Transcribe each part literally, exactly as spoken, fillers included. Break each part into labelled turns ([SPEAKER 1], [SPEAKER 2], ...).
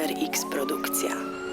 [SPEAKER 1] Cypher X Produkcja.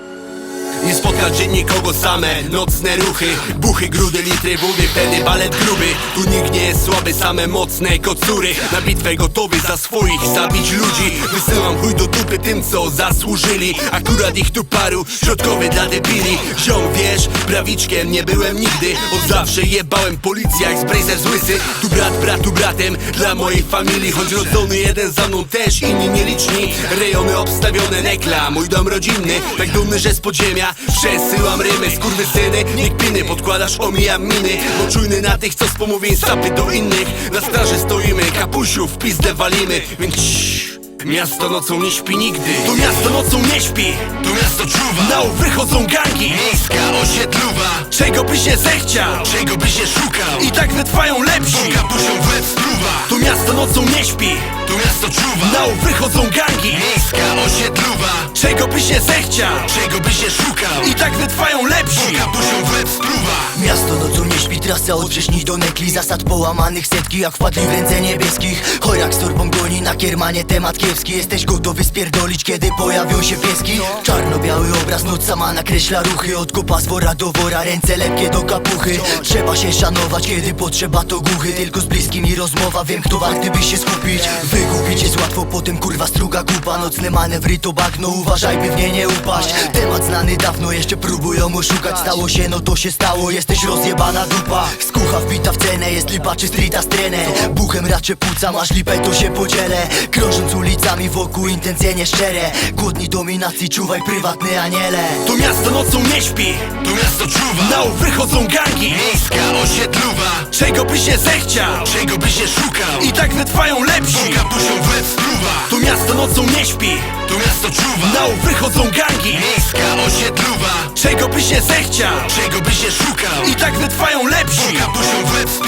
[SPEAKER 2] Nie spotkać się nikogo, same nocne ruchy, buchy, grudy, litry wody, wtedy balet gruby. Tu nikt nie jest słaby, same mocne kocury. Na bitwę gotowy za swoich zabić ludzi. Wysyłam chuj do dupy tym, co zasłużyli. Akurat ich tu paru, środkowy dla debili. Ziom, wiesz, prawiczkiem nie byłem nigdy. Od zawsze jebałem policję jak z Brazer z łysy. Tu brat bratu bratem dla mojej familii. Choć rodzony jeden za mną też, inni nieliczni. Rejony obstawione, nekla, mój dom rodzinny. Tak dumny, że z podziemia przesyłam rymy. Skurwysyny, niech piny, podkładasz, omijam miny. Bo czujny na tych, co z pomówień sapy do innych. Na straży stoimy, kapusiów w pizdę walimy. Więc ciii, miasto nocą nie śpi nigdy. To miasto nocą nie śpi,
[SPEAKER 3] To miasto czuwa,
[SPEAKER 2] na ów wychodzą gangi.
[SPEAKER 3] miejska osiedlowa,
[SPEAKER 2] Czego byś nie zechciał
[SPEAKER 3] czego byś nie szukał,
[SPEAKER 2] i tak wytrwają lepsi.
[SPEAKER 3] kapusią w łeb spluwa.
[SPEAKER 2] To miasto nocą nie śpi,
[SPEAKER 3] To miasto czuwa,
[SPEAKER 2] na ów wychodzą gangi.
[SPEAKER 3] miejska osiedlowa,
[SPEAKER 2] Czego byś nie zechciał
[SPEAKER 3] czego byś nie szukał,
[SPEAKER 2] i tak wytrwają lepsi.
[SPEAKER 3] kapusią w łeb spluwa.
[SPEAKER 4] Miasto nocą nie śpi, trasa od Wrześni do Nekli. Zasad połamanych setki, jak wpadli w ręce niebieskich. Chojak z torbą goni na kiermanie, temat kiepski. Jesteś gotowy spierdolić, kiedy pojawią się pieski? Czarno-biały obraz, noc sama nakreśla ruchy. Od kopa z wora do wora, ręce lepkie do kapuchy. Trzeba się szanować, kiedy potrzeba to głuchy. Tylko z bliskimi rozmowa, wiem kto warty by się skupić. Wygubić jest łatwo, potem kurwa struga kupa. Nocne manewry to bagno, uważaj by w nie nie upaść. Temat znany dawno, jeszcze próbują oszukać. Stało się, no to się stało, jesteś rozjebana dupa. Skucha wbita w cenę, jest lipa czy streeta strenę. Buchem raczej płuca, masz lipę to się podzielę. Krążąc ulicami wokół intencje nieszczere. Głodni dominacji, czuwaj prywatny aniele.
[SPEAKER 2] To miasto nocą nie śpi,
[SPEAKER 3] To miasto czuwa,
[SPEAKER 2] na ów wychodzą gangi.
[SPEAKER 3] miejska osiedlowa,
[SPEAKER 2] Czego byś nie zechciał
[SPEAKER 3] czego byś nie szukał,
[SPEAKER 2] i tak wytrwają lepsi.
[SPEAKER 3] kapusią w łeb spluwa.
[SPEAKER 2] To miasto nocą nie śpi,
[SPEAKER 3] To miasto czuwa,
[SPEAKER 2] na ów wychodzą gangi.
[SPEAKER 3] miejska osiedlowa,
[SPEAKER 2] Czego byś nie zechciał
[SPEAKER 3] czego byś nie szukał,
[SPEAKER 2] i tak wytrwają lepsi.
[SPEAKER 3] kapusią w łeb